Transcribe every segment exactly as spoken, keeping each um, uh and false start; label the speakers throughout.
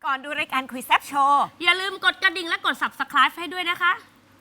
Speaker 1: ก่อนดูรายการคุยแซ่บโชว์
Speaker 2: อย่าลืมกดกระดิ่งและกด ซับสไครบ์ ให้ด้วยนะคะ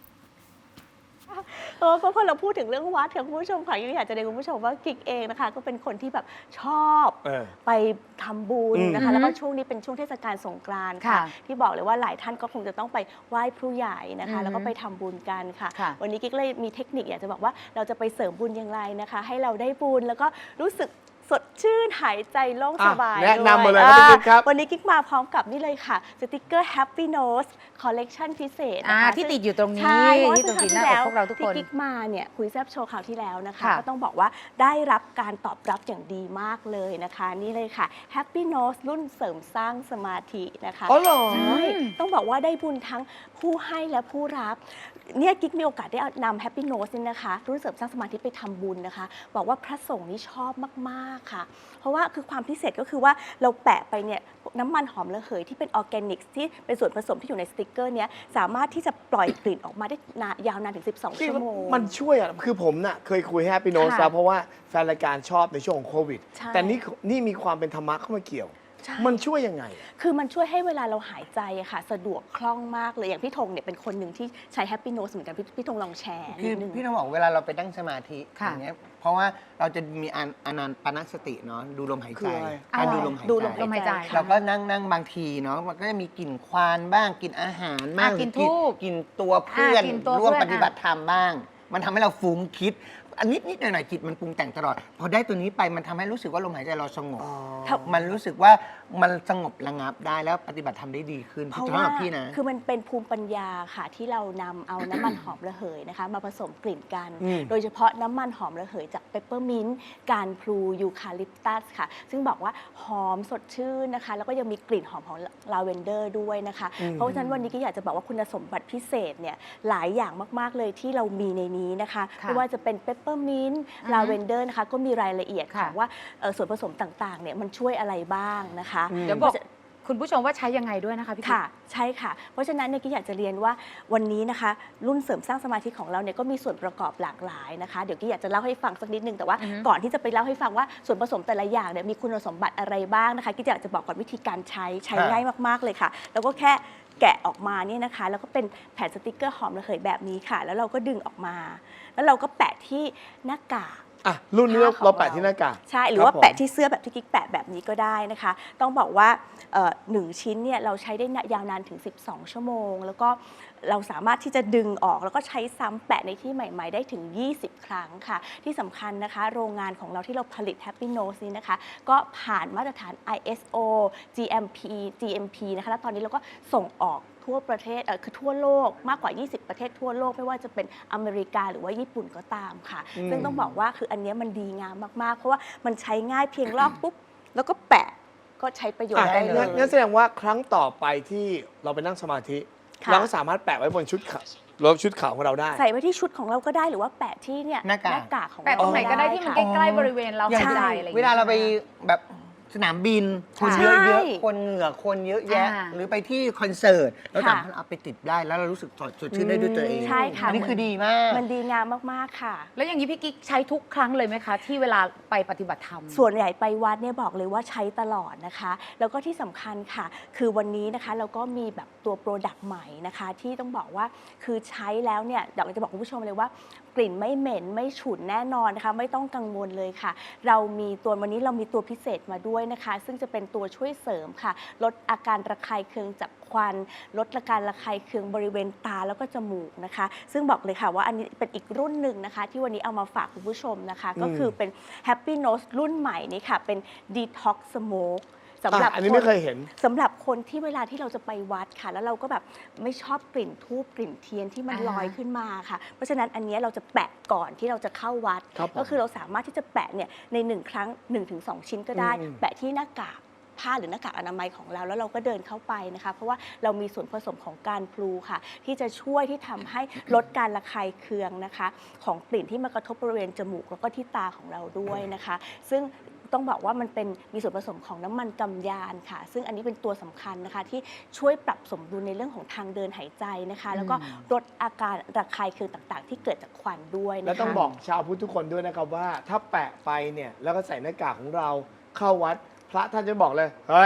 Speaker 3: เออเพราะพอเราพูดถึงเรื่องวัดค่ะคุณผู้ชมค่ะยังอยากจะเรียนคุณผู้ชมว่ากิ๊กเองนะคะก็เป็นคนที่แบบชอบไปทำบุญนะคะแล้วก็ช่วงนี้เป็นช่วงเทศกาลสงกรานต์ค่ะที่บอกเลยว่าหลายท่านก็คงจะต้องไปไหว้ครูใหญ่นะคะแล้วก็ไปทำบุญกันค่ะวันนี้กิ๊กเลยมีเทคนิคอยากจะบอกว่าเราจะไปเสริมบุญอย่างไรนะคะให้เราได้บุญแล้วก็รู้สึกสดชื่นหายใจโล่งสบาย
Speaker 4: แนะนำมาเลยครับพี่กิ๊กครับ
Speaker 3: วันนี้กิ๊กมาพร้อมกับนี่เลยค่ะสติกเกอร์ Happy Nose Collection พิเศษนะคะ
Speaker 5: ที่ติดอยู่ตรงนี้ที่ตรงที่หน้าอกพวกเราทุกคน
Speaker 3: ที่กิ๊กมาเนี่ยคุยแซบโชว์คราวที่แล้วนะคะก็ต้องบอกว่าได้รับการตอบรับอย่างดีมากเลยนะคะนี่เลยค่ะ Happy Nose รุ่นเสริมสร้างสมาธินะคะ
Speaker 4: อ๋อเหรอ
Speaker 3: ใช่ต้องบอกว่าได้บุญทั้งผู้ให้และผู้รับเนี่ยกิ๊กมีโอกาสได้นำ Happy Nose นี่นะคะรุ่นเสริมสร้างสมาธิไปทำบุญนะคะบอกว่าพระสงฆ์นี่ชอบมากๆค่ะเพราะว่าคือความพิเศษก็คือว่าเราแปะไปเนี่ยน้ำมันหอมระเหยที่เป็นออร์แกนิกที่เป็นส่วนผสมที่อยู่ในสติกเกอร์นี้สามารถที่จะปล่อยกลิ่นออกมาได้ยาวนานถึงสิบสองชั่วโมง
Speaker 4: มันช่วยอ่ะคือผมน่ะเคยคุยให้พี่โน้ตแล้วเพราะว่าแฟนรายการชอบในช่วงของโควิดแต่นี่นี่มีความเป็นธรรมะเข้ามาเกี่ยวมันช่วยยังไง
Speaker 3: คือมันช่วยให้เวลาเราหายใจอะค่ะสะดวกคล่องมากเลยอย่างพี่ธงเนี่ยเป็นคนหนึ่งที่ใช้ Happy Nose เหมือนกันพี่พี่ธงลองแชร์
Speaker 6: คือพี่ธงบอกเวลาเราไปนั่งสมาธิอย่างเงี้ยเพราะว่าเราจะมีอนันปนสติเนาะดูลมหายใจการดูลมหายใจเราก็นั่งนั่งบางทีเนาะมันก็จะมีกลิ่นควานบ้างกลิ่นอาหารบ้าง
Speaker 5: กลิ่นทูบ
Speaker 6: กลิ่นตัวเพื่อนร่วมปฏิบัติธรรมบ้างมันทำให้เราฟุ้งคิดอันนิดนิดหน่อยๆจิตมันปรุงแต่งตลอดพอได้ตัวนี้ไปมันทำให้รู้สึกว่าลมหายใจเราสงบมันรู้สึกว่ามันสงบระงับได้แล้วปฏิบัติทำได้ดีขึ้น
Speaker 3: เพราะว่าคือมันเป็นภูมิปัญญาค่ะที่เรานำเอาน้ำมันหอมระเหยนะคะมาผสมกลิ่นกัน โดยเฉพาะน้ำมันหอมระเหยจากเปปเปอร์มินต์การพลูยูคาลิปตัสค่ะซึ่งบอกว่าหอมสดชื่นนะคะแล้วก็ยังมีกลิ่นหอมของลาเวนเดอร์ด้วยนะคะเพราะฉะนั้นวันนี้ก็อยากจะบอกว่าคุณสมบัติพิเศษเนี่ยหลายอย่างมากๆเลยที่เรามีในนี้นะคะไม่ว่าจะเป็นเปปเปอร์มินต์ลาเวนเดอร์นะคะก็มีรายละเอียดของว่าส่วนผสมต่างๆเนี่ยมันช่วยอะไรบ้างนะคะ
Speaker 5: เดี๋ยวบอกคุณผู้ชมว่าใช้ยังไงด้วยนะคะพี่
Speaker 3: ค่ะใช่ค่ะเพราะฉะนั้นเนี่ยกิ๊กอยากจะเรียนว่าวันนี้นะคะรุ่นเสริมสร้างสมาธิของเราเนี่ยก็มีส่วนประกอบหลากหลายนะคะเดี๋ยวกิ๊กอยากจะเล่าให้ฟังสักนิดนึงแต่ว่าก่อนที่จะไปเล่าให้ฟังว่าส่วนผสมแต่ละอย่างเนี่ยมีคุณสมบัติอะไรบ้างนะคะกิ๊กอยากจะบอกก่อนวิธีการใช้ใช้ง่ายมากๆเลยค่ะแล้วก็แค่แกะออกมาเนี่ยนะคะแล้วก็เป็นแผ่นสติกเกอร์หอมระเหยแบบนี้ค่ะแล้วเราก็ดึงออกมาแล้วเราก็แปะที่หน้ากาก
Speaker 4: อ่ะรุ่นนี้เราแปะที่หน้ากาก
Speaker 3: ใช่หรือว่าแปะที่เสื้อแบบที่กิ๊กแปะแบบนี้ก็ได้นะคะต้องบอกว่าหนึ่งชิ้นเนี่ยเราใช้ได้ยาวนานถึงสิบสองชั่วโมงแล้วก็เราสามารถที่จะดึงออกแล้วก็ใช้ซ้ำแปะในที่ใหม่ๆได้ถึงยี่สิบครั้งค่ะที่สำคัญนะคะโรงงานของเราที่เราผลิต Happy Nose นี้นะคะก็ผ่านมาตรฐาน ไอ เอส โอ จี เอ็ม พี จี เอ็ม พี นะคะแล้วตอนนี้เราก็ส่งออกทั่วประเทศเออคือทั่วโลกมากกว่ายี่สิบประเทศทั่วโลกไม่ว่าจะเป็นอเมริกาหรือว่าญี่ปุ่นก็ตามค่ะซึ่งต้องบอกว่าคืออันนี้มันดีงามมากๆเพราะว่ามันใช้ง่ายเพียงลอกปุ๊บแล้วก็แปะก็ใช้ประโยชน์ได้เลย
Speaker 4: งั้นแสดงว่าครั้งต่อไปที่เราไปนั่งสมาธิเราก็สามารถแปะไว้บนชุดขาวรถชุดขาวของเราได้
Speaker 3: ใส่ไว้ที่ชุดของเราก็ได้หรือว่าแปะที่เนี่ยหน้ากากของเรา
Speaker 5: แปะตรงไหนก็ได้ที่มันใกล้ๆบริเวณเราหายใจอะไร
Speaker 6: เวลาเราไปแบบสนามบินคนเยอะๆคนเหงื่อคนเยอะแยะหรือไปที่คอนเสิร์ตเราสามารถเอาไปติดได้แล้วเรารู้สึกสดชื่นได้ด้วยตัวเอง
Speaker 3: ใช่ค่ะ
Speaker 6: อันนี้คือดีมาก
Speaker 3: มันดีงามมากๆค่ะ
Speaker 5: แล้วอย่างนี้พี่กิ๊กใช้ทุกครั้งเลยไหมคะที่เวลาไปปฏิบัติธรรม
Speaker 3: ส่วนใหญ่ไปวัดเนี่ยบอกเลยว่าใช้ตลอดนะคะแล้วก็ที่สำคัญค่ะคือวันนี้นะคะเราก็มีแบบตัวโปรดักต์ใหม่นะคะที่ต้องบอกว่าคือใช้แล้วเนี่ยอยากจะบอกคุณผู้ชมเลยว่ากลิ่นไม่เหม็นไม่ฉุนแน่นอนนะคะไม่ต้องกังวลเลยค่ะเรามีตัววันนี้เรามีตัวพิเศษมาด้วยนะคะซึ่งจะเป็นตัวช่วยเสริมค่ะลดอาการระคายเคืองจากควันลดอาการระคายเคืองบริเวณตาแล้วก็จมูกนะคะซึ่งบอกเลยค่ะว่าอันนี้เป็นอีกรุ่นหนึ่งนะคะที่วันนี้เอามาฝากคุณผู้ชมนะคะก็คือเป็น Happy Nose รุ่นใหม่นี้ค่ะเป็น Detox Smokeสำหรับ
Speaker 4: อันนี้ไม่เคยเห็น
Speaker 3: สำหรับคนที่เวลาที่เราจะไปวัดค่ะแล้วเราก็แบบไม่ชอบกลิ่นธูปกลิ่นเทียนที่มันลอยขึ้นมาค่ะเพราะฉะนั้นอันนี้เราจะแปะก่อนที่เราจะเข้าวัดก็คือเราสามารถที่จะแปะเนี่ยในหนึ่งครั้ง หนึ่งถึงสอง ชิ้นก็ได้แปะที่หน้ากากผ้าหรือหน้ากากอนามัยของเราแล้วเราก็เดินเข้าไปนะคะเพราะว่าเรามีส่วนผสมของการพลูค่ะที่จะช่วยที่ทำให้ลดการระคายเคืองนะคะของกลิ่นที่มากระทบบริเวณจมูกแล้วก็ที่ตาของเราด้วยนะคะซึ่งต้องบอกว่ามันเป็นมีส่วนผสมของน้ำมันกำยานค่ะซึ่งอันนี้เป็นตัวสำคัญนะคะที่ช่วยปรับสมดุลในเรื่องของทางเดินหายใจนะคะแล้วก็ลดอาการระคายเคืองต่างๆที่เกิดจากควันด้วยนะคะ
Speaker 4: แล้วต้องบอกชาวพุทธทุกคนด้วยนะครับว่าถ้าแปะไปเนี่ยแล้วก็ใส่หน้ากากของเราเข้าวัดพระท่านจะบอกเลยเฮ้ย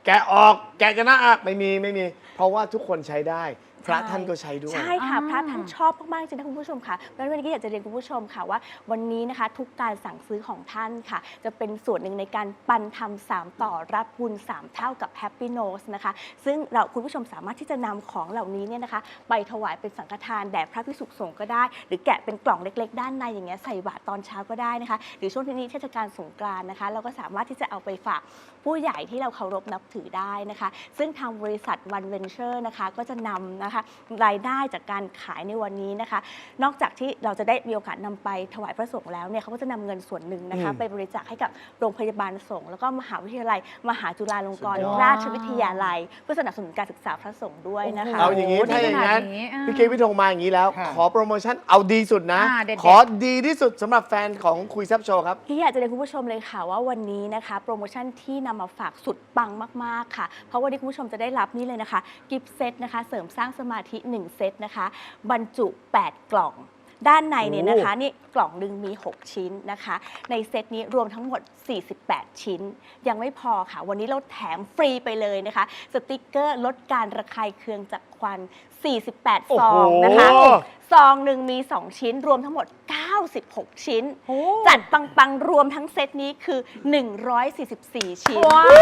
Speaker 4: แกะออกแกะกันนะอ่ะไม่มีไม่มี เพราะว่าทุกคนใช้ได้พระท่านก็ใช้ด้วย
Speaker 3: ใช่ค่ะ
Speaker 5: อ่า
Speaker 3: พระท่านชอบมากๆจริงนะคุณผู้ชมค่ะแล้ววันนี้ก็อยากจะเรียนคุณผู้ชมค่ะว่าวันนี้นะคะทุกการสั่งซื้อของท่านค่ะ จะเป็นส่วนหนึ่งในการปันทำสามต่อรับบุญสามเท่ากับ Happy Nose นะคะซึ่งเราคุณผู้ชมสามารถที่จะนำของเหล่านี้เนี่ยนะคะไปถวายเป็นสังฆทานแด่พระภิกษุสงฆ์ก็ได้ หรือแกะเป็นกล่องเล็กๆ ด้านในอย่างเงี้ยใส่บาตรตอนเช้าก็ได้นะคะหรือช่วงที่นี้เทศกาลสงกรานต์นะคะเราก็สามารถที่จะเอาไปฝากผู้ใหญ่ที่เราเคารพนับถือได้นะคะซึ่งทางบริษัท One Venture นะคะก็จะนำนะคะรายได้จากการขายในวันนี้นะคะ นอกจากที่เราจะได้มีโอกาสนำไปถวายพระสงฆ์แล้วเนี่ยเขาก็จะนำเงินส่วนหนึ่งนะคะ
Speaker 4: อืม
Speaker 3: ไปบริจาคให้กับโรงพยาบาลสงฆ์แล้วก็มหาวิทยาลัย มหาจุฬาลงกรณ์
Speaker 4: สุดยอด
Speaker 3: ราชวิทยาลัย เพื่อสนับสนุนการศึกษาพระสงฆ์ด้วยนะคะ
Speaker 4: เอาอย่างนี้
Speaker 5: โอ้โห
Speaker 4: ถ้าอย่างนั้น
Speaker 5: ดีขนาดนี้อ่า
Speaker 4: พี่เกพี่ธงมาอย่างนี้แล้ว
Speaker 6: ค่ะ
Speaker 4: ขอโปรโมชั่นเอาดีสุดนะ
Speaker 5: อ่าเด็ดๆ
Speaker 4: ขอดีที่สุดสำหรับแฟนของคุยแซบโชว์ครับ
Speaker 3: ที่อยากจะเรียนคุณผู้ชมเลยค่ะว่าวันนี้นะคะโปรโมชั่นที่นำมาฝากสุดปังมากๆค่ะ เพราะวันนี้คุณผู้ชมจะได้รับนี่เลยนะคะกิฟต์เซตนะคะเสริมสร้างสมาธิหนึ่งเซตนะคะบรรจุแปดกล่อง ด้านในเนี่ยนะคะนี่กล่องหนึ่งมีหกชิ้นนะคะในเซตนี้รวมทั้งหมดสี่สิบแปดชิ้น ยังไม่พอค่ะวันนี้เราแถมฟรีไปเลยนะคะสติกเกอร์ลดการระคายเคืองจากควันสี่สิบแปด
Speaker 4: โอ้
Speaker 3: ซ
Speaker 4: โห
Speaker 3: องนะคะซองหนึ่งมีสองชิ้นรวมทั้งหมดเก้าสิบหกชิ้น จัดปังๆ รวมทั้งเซตนี้คือ หนึ่งร้อยสี่สิบสี่ ชิ้น
Speaker 5: ว้าว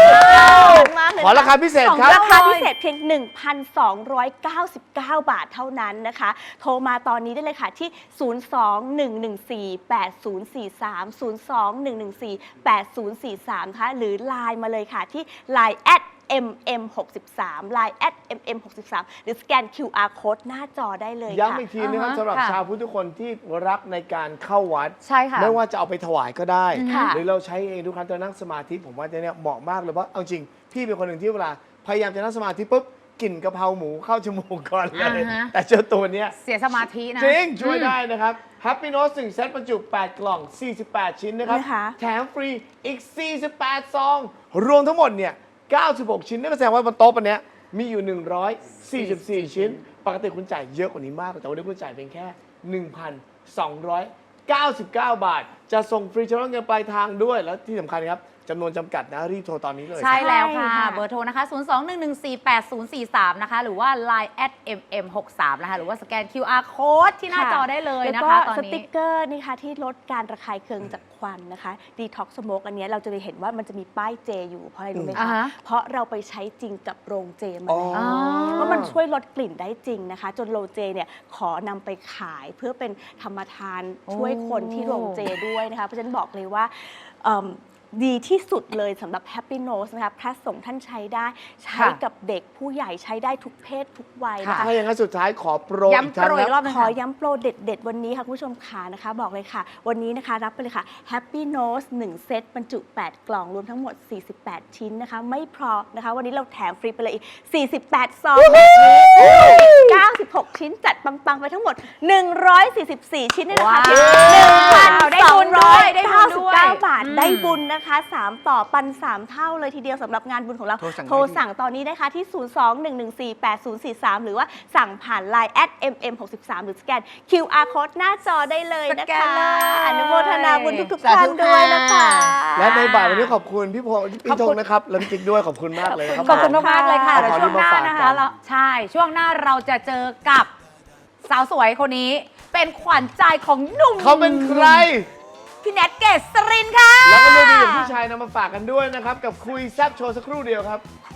Speaker 3: มากเลย
Speaker 4: ขอราคาพิเศษครับ
Speaker 3: ราคาพิเศษเพียง หนึ่งพันสองร้อยเก้าสิบเก้า บาทเท่านั้นนะคะ โทรมาตอนนี้ได้เลยค่ะที่ ศูนย์ สอง หนึ่ง หนึ่ง สี่ แปด ศูนย์ สี่ สาม ศูนย์ สอง หนึ่ง หนึ่ง สี่ แปด ศูนย์ สี่ สาม นะคะหรือ ไลน์ มาเลยค่ะที่ ไลน์ แอท เอ็ม เอ็ม หกสิบสาม ไลน์ แอท เอ็ม เอ็ม หกสิบสาม หรือสแกน คิว อาร์ Code หน้าจอได้เลยค่ะ
Speaker 4: ย้ำอีกทีนะครับ
Speaker 5: อ่าฮะ
Speaker 4: สำหรับ
Speaker 5: ค่ะ
Speaker 4: ชาวพุทธทุกคนที่รักในการเข้าวัด
Speaker 5: ใช่ค่ะ
Speaker 4: ไม่ว่าจะเอาไปถวายก็ได้
Speaker 3: ค่ะ
Speaker 4: หรือเราใช้เองทุกครั้งที่เรานั่งสมาธิผมว่าเนี่ยเหมาะมากเลยเพราะเอาจริง พี่เป็นคนหนึ่งที่เวลา พยายามจะนั่งสมาธิปุ๊บกลิ่นกะเพราหมูเข้าจมูกก่อนเลย
Speaker 5: อ่าฮะ
Speaker 4: แต่เจ้าตัวเนี้ย
Speaker 5: เสียสมาธินะ
Speaker 4: จริง ช่วย
Speaker 5: อืม
Speaker 4: ได้นะครับ Happy Note หนึ่งเซตบรรจุแปดกล่อง สี่สิบแปด ชิ้นนะครับ
Speaker 3: นะคะ
Speaker 4: แถมฟรีอีก สี่สิบแปด ซอง รวมทั้งหมดเนี่ย เก้าสิบหก ชิ้นนั่นก็แสดงว่าบนโต๊ะปันเนี้ยมีอยู่ หนึ่งร้อยสี่สิบสี่ ชิ้น ปกติคุณจ่ายเยอะกว่านี้มาก แต่วันนี้คุณจ่ายเพียงแค่ หนึ่งพันสองร้อยเก้าสิบเก้า บาท จะส่งฟรีชำระเงินปลายทางด้วย แล้วที่สำคัญครับจำนวนจำกัดนะ รีบโทรตอนนี้เลย
Speaker 5: ใช่แล้วค่ะ
Speaker 3: ใช่ค่ะ
Speaker 5: เบอร์โทรนะคะ ศูนย์ สอง หนึ่ง หนึ่ง สี่ แปด ศูนย์ สี่ สาม นะคะ หรือว่า ไลน์ แอท เอ็ม เอ็ม หกสิบสาม นะคะ หรือว่าสแกน คิว อาร์ Code ที่หน้าจอได้เลยนะ
Speaker 3: แล้วก็
Speaker 5: คะ ตอน
Speaker 3: ส
Speaker 5: นี้
Speaker 3: ติกเกอร์นี่ค่ะที่ลดการระคายเคืองจากควันนะคะดีท็อกสโมกอันเนี้ยเราจะไปเห็นว่ามันจะมีป้ายเจอยู่เพราะอะไรรู้ไหม
Speaker 5: อ่า
Speaker 3: คะ
Speaker 5: ฮะ
Speaker 3: เพราะเราไปใช้จริงกับโรงเจมา
Speaker 4: อ๋อ
Speaker 3: แล้ว
Speaker 5: อ๋อ
Speaker 3: ว่ามันช่วยลดกลิ่นได้จริงนะคะ จนโรงเจเนี่ยขอนำไปขายเพื่อเป็นธรรมทานช่วยคนที่โรงเจด้วยนะคะ เพราะฉะนั้นบอกเลยว่าเอิ่มดีที่สุดเลยสำหรับ Happy Nose นะคะพระสงฆ์ท่านใช้ได้ใช้
Speaker 5: ค่ะ
Speaker 3: กับเด็กผู้ใหญ่ใช้ได้ทุกเพศทุกวัยนะคะ
Speaker 4: ถ้าอย่างนั้นสุดท้ายขอโปรอีก
Speaker 5: ย้ำ
Speaker 4: ครั้
Speaker 5: โป
Speaker 4: ง
Speaker 5: รอีกร
Speaker 4: ค
Speaker 5: อ
Speaker 4: รั
Speaker 5: บบ หนึง
Speaker 3: ขอ
Speaker 5: ค่ะ
Speaker 3: ย้ำโปรเด็ดๆ วันนี้ค่ะคุณผู้ชมขานะคะ บอกเลยค่ะ วันนี้นะคะรับไปเลยค่ะ Happy Nose หนึ่งเซตบรรจุ แปด กล่องรวมทั้งหมด สี่สิบแปด ชิ้นนะคะ ไม่พอนะคะ วันนี้เราแถมฟรีไปเลยอีก สี่สิบแปด ซองแบบนี้เก้าสิบหก ชิ้นจัดปัง ๆ ไปทั้งหมด หนึ่งร้อยสี่สิบสี่ ชิ้นในราคาเพียง
Speaker 5: ว้าว
Speaker 3: หนึ่งพันสองร้อยเก้าสิบเก้า บาท
Speaker 5: อืม
Speaker 3: ได้บุญนะคะสามต่อปันสามเท่าเลยทีเดียวสำหรับงานบุญของเรา
Speaker 6: โทรสั่งได้
Speaker 3: โทรสั่งตอนนี้นะคะที่ ศูนย์ สอง หนึ่ง หนึ่ง สี่ แปด ศูนย์ สี่ สาม หรือว่าสั่งผ่าน ไลน์ แอท เอ็ม เอ็ม หกสิบสาม หรือสแกน คิว อาร์ Code หน้าจอได้เลยนะ
Speaker 5: สแก
Speaker 3: คะ
Speaker 5: นเลย
Speaker 3: อนุโมทนาบุญทุกๆ
Speaker 6: สาธุ
Speaker 3: ท่านด้วยนะคะ
Speaker 4: และในบ่ายวันนี้ขอบคุณพี่พงศ์พี่ธงนะครับและพี่จิ๊กด้วยขอบคุณมากเลยครับ
Speaker 5: ขอบคุณมากๆเลยค่ะ
Speaker 4: ขอบ
Speaker 5: เดี๋ยว
Speaker 4: คุณ
Speaker 5: ช่วงหน้า
Speaker 4: มาฝาก
Speaker 5: นะ
Speaker 4: กั
Speaker 5: คะ
Speaker 4: น
Speaker 5: เราใช่ ช่วงหน้าเราจะเจอกับสาวสวยคนนี้ เป็นขวัญใจของหนุ่ม
Speaker 4: เขาเป็นใคร
Speaker 5: พี่แนทเกษรินค่ะ
Speaker 4: แล้วก็เรื่องดีของผู้ชายนำมาฝากกันด้วยนะครับ กับคุยแซบโชว์สักครู่เดียวครับ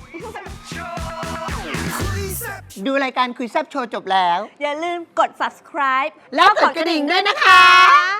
Speaker 6: ดูรายการคุยแซบโชว์จบแล้ว
Speaker 3: อย่าลืมกด subscribe
Speaker 6: แล้วกดกระดิ่งด้วยนะคะ